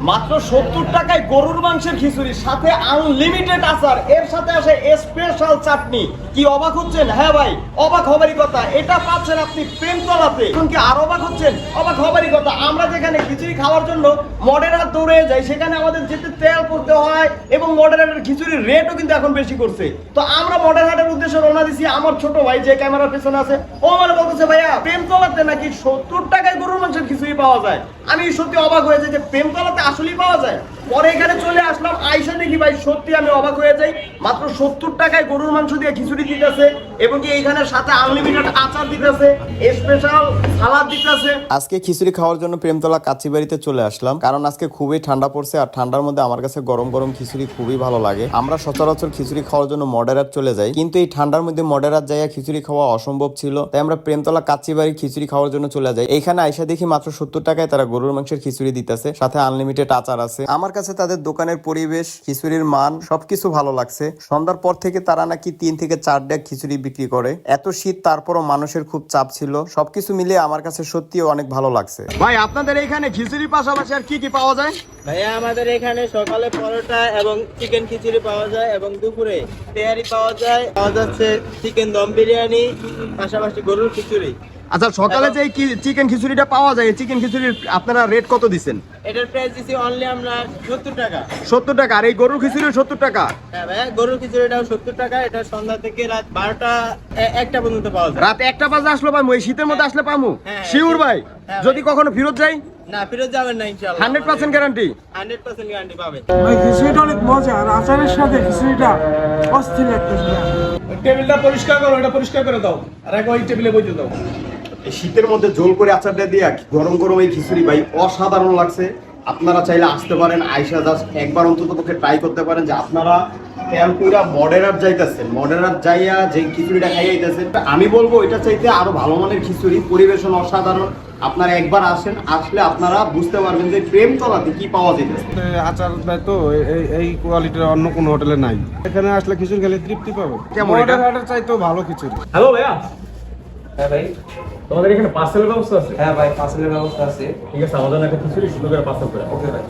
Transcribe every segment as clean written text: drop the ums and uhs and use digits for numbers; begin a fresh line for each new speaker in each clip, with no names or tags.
মাত্র 70 টাকায় গরুর মাংসের খিচুড়ি, সাথে আনলিমিটেড আচার, এর সাথে আসে স্পেশাল চাটনি। কি অবাক হচ্ছেন? হ্যাঁ ভাই, অবাক হবারই কথা। এটা পাচ্ছেন আপনি প্রেমতলাতে। এখন কি আর অবাক হচ্ছেন? অবাক হবারই কথা। আমরা যেখানে খিচুড়ি খাওয়ার জন্য মডেরার দৌড়ে যাই, সেখানে আমাদের যেতে তেল পড়তে হয় এবং মডেরারের খিচুড়ির রেটও কিন্তু এখন বেশি করছে। তো আমরা মডেরারের উদ্দেশ্যে রওনা দিছি। আমার ছোট ভাই যে ক্যামেরার পেছনে আছে, ও মানে বলতেছে ভাইয়া প্রেমতলাতে নাকি 70 টাকায় গরুর মাংসের খিচুড়ি পাওয়া যায়। আমি সত্যি অবাক হয়ে যাই যে প্রেমতলাতে আসলেই পাওয়া যায়। পরে এখানে চলে আসলাম, আইসা দেখি ভাই সত্যি আমি অবাক হয়ে যাই। মাত্র 70 টাকায় গরুর মাংস দিয়ে খিচুড়ি দিতেছে এবং কি এইখানে সাথে আনলিমিটেড আচার দিতেছে, স্পেশাল সালাদ দিতেছে।
আজকে খিচুড়ি খাওয়ার জন্য প্রেমতলা কাচ্চিবাড়িতে চলে আসলাম, কারণ আজকে খুবই ঠান্ডা পড়ছে আর ঠান্ডার মধ্যে আমার কাছে গরম গরম খিচুড়ি খুবই ভালো লাগে। আমরা সচরাচর খিচুড়ি খাওয়ার জন্য মডেরার চলে যাই, কিন্তু এই ঠান্ডার মধ্যে মডেরার যাইয়া খিচুড়ি খাওয়া অসম্ভব ছিল, তাই আমরা প্রেমতলা কাচ্চিবাড়ি খিচুড়ি খাওয়ার জন্য চলে যাই। এইখানে আইসা দেখি মাত্র 70 টাকায় তারা গরুর মাংসের খিচুড়ি দিতেছে, সাথে আনলিমিটেড আচার আছে। আমার কাছে তাদের দোকানের পরিবেশ, খিচুড়ির মান সবকিছু ভালো লাগছে। সন্ধ্যার পর থেকে তারা নাকি 3 থেকে 4 ডেক খিচুড়ি বিক্রি করে। এত শীত তারপরও মানুষের খুব চাপ ছিল। সবকিছু মিলিয়ে আমার কাছে সত্যিই অনেক ভালো লাগছে।
ভাই আপনাদের এখানে খিচুড়ির পাশাপাশি আর কি কি পাওয়া যায়?
ভাইয়া আমাদের এখানে সকালে পরোটা এবং চিকেন খিচুড়ি পাওয়া যায় এবং দুপুরে তেহারি পাওয়া যায়, পাওয়া যাচ্ছে চিকেন দম বিরিয়ানি, পাশাপাশি গরুর খিচুড়ি।
আচ্ছা, সকালে যে চিকেন খিচুড়িটা পাওয়া যায়, চিকেন খিচুড়ির আপনারা রেট কত দিচ্ছেন?
এটার প্রাইস দিছি অনলি আমরা 70 টাকা।
70 টাকা। আর এই গরুর খিচুড়ি 70 টাকা?
হ্যাঁ ভাইয়া, গরুর খিচুড়িটাও 70 টাকা। এটা সন্ধ্যা থেকে রাত 12টা 1টা পর্যন্ত পাওয়া যায়।
রাত 1টা বাজে আসলো পামু? এই শীতের মধ্যে আসলে পামু?
হ্যাঁ,
শিওর ভাই?
হ্যাঁ,
যদি কখনো ফেরত যাই?
না, ফেরত যাবেন না ইনশাআল্লাহ।
100% গ্যারান্টি?
100% গ্যারান্টি পাবেন।
ভাই খিচুড়িটা অনেক মজা, আর আচারের সাথে খিচুড়িটা অস্থির লাগতেছে।
টেবিলটা পরিষ্কার করো, এটা পরিষ্কার করে দাও, আর এক ওই টেবিলে বইতে দাও।
এই শীতের মধ্যে ঝোল করে আচারটা দিয়ে গরম গরম এই খিচুড়ি ভাই অসাধারণ লাগছে। আপনারা চাইলে আসতে পারেন, আইসা জাস্ট একবার অন্তত পক্ষে ট্রাই করতে পারেন যে আপনারা তেলপুরা মডেরার যাইতেছেন, মডেরার যাইয়া যে খিচুড়িটা খাইয়াইতেছেন, আমি বলবো এটা চাইতে আরো ভালো মানের খিচুড়ি, পরিবেশন অসাধারণ। আপনারা একবার আসেন, আসলে আপনারা বুঝতে পারবেন যে প্রেমতলাতে কি পাওয়া যেতেছে।
আচার দেয় তো এই কোয়ালিটির অন্য কোনো হোটেলে নাই। এখানে আসলে খিচুড়ি খেলে তৃপ্তি পাবে।
কেমন এটা?
মডেল চাইতেও ভালো খিচুড়ি।
হ্যালো ভাইয়া,
হ্যাঁ ভাই।
তোমাদের এখানে পার্সেলের ব্যবস্থা আছে?
হ্যাঁ ভাই, পার্সেলের ব্যবস্থা আছে।
ঠিক আছে, আমাদের একটা খিচুড়ি সুন্দর করে পার্সেল করে।
ওকে ভাই।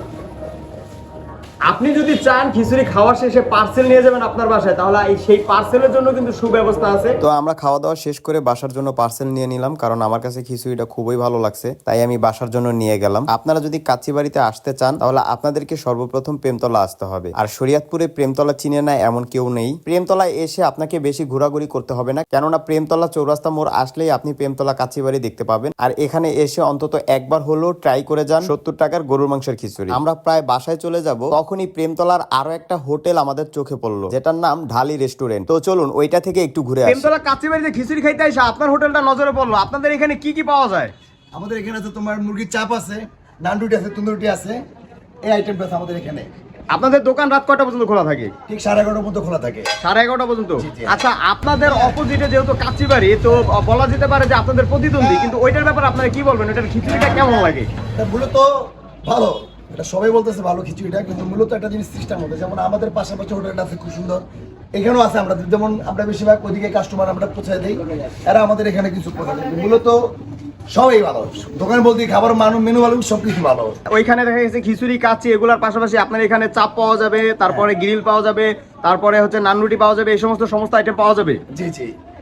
আপনি যদি চান খিচুড়ি খাওয়া শেষে পার্সেল নিয়ে যাবেন আপনার বাসায়, তাহলে সেই পার্সেলের জন্য কিন্তু সুব্যবস্থা আছে।
তো আমরা খাওয়া দাওয়া শেষ করে বাসার জন্য পার্সেল নিয়ে নিলাম, কারণ আমার কাছে খিচুড়িটা খুবই ভালো লাগছে, তাই আমি বাসার জন্য নিয়ে গেলাম। আপনারা যদি কাচ্চিবাড়িতে আসতে চান, তাহলে আপনাদেরকে সর্বপ্রথম প্রেমতলা আসতে হবে। আর শরীয়তপুরে প্রেমতলা চিনে না এমন কেউ নেই। প্রেমতলায় এসে আপনাকে বেশি ঘোরাঘুরি করতে হবে না, কেননা প্রেমতলা চৌরাস্তা মোড় আসলেই আপনি প্রেমতলা কাচ্চিবাড়ি দেখতে পাবেন। আর এখানে এসে অন্তত একবার হলেও ট্রাই করে যান 70 টাকার গরুর মাংসের খিচুড়ি। আমরা প্রায় বাসায় চলে যাব, তখনই প্রেমতলার আরো একটা হোটেল আমাদের চোখে পড়লো, যেটার নাম ঢালি রেস্টুরেন্ট। তো চলুন ওইটা থেকে একটু ঘুরে আসি।
প্রেমতলা কাচ্চিবাড়িতে খিচুড়ি খাইতে এসে আপনার হোটেলটা নজরে পড়লো। আপনাদের এখানে কি কি পাওয়া যায়?
আমাদের এখানে আছে তোমার মুরগির চাপ আছে, নান রুটি আছে, তন্দুর রুটি আছে, এই আইটেমটা আছে আমাদের এখানে।
আপনাদের দোকান রাত কয়টা পর্যন্ত খোলা থাকে?
ঠিক 11:30 পর্যন্ত খোলা থাকে।
11:30 পর্যন্ত?
জি, জি।
আচ্ছা, আপনাদের অপোজিটে যেহেতু কাচ্চিবাড়ি, তো বলা যেতে পারে যে আপনাদের প্রতিদ্বন্দ্বী, কিন্তু ওইটার ব্যাপারে আপনারা কি বলবেন? ওইটার খিচুড়িটা কেমন লাগে?
এটা মূলত ভালো, এটা সবাই বলতেছে ভালো খিচুড়িটা, কিন্তু মূলত একটা জিনিস সিস্টেম হতে, যেমন আমাদের পাশাপাশি হোটেলটা আছে খুব সুন্দর, এখানেও আছে। আমরা যেমন আমরা বেশিরভাগ ওইদিকে কাস্টমার আমরা পৌঁছায় দিই, এরা আমাদের এখানে কিছু পৌঁছায় দেয়। মূলত সবাই ভালো, দোকান বলতে খাবার মান মেনু ভালো, সবকিছু ভালো।
ওইখানে দেখা গেছে খিচুড়ি কাচ্চি এগুলার পাশাপাশি আপনার এখানে চাপ পাওয়া যাবে, তারপরে গ্রিল পাওয়া যাবে, তারপরে হচ্ছে নান রুটি পাওয়া যাবে, এই সমস্ত আইটেম পাওয়া যাবে।
জি জি।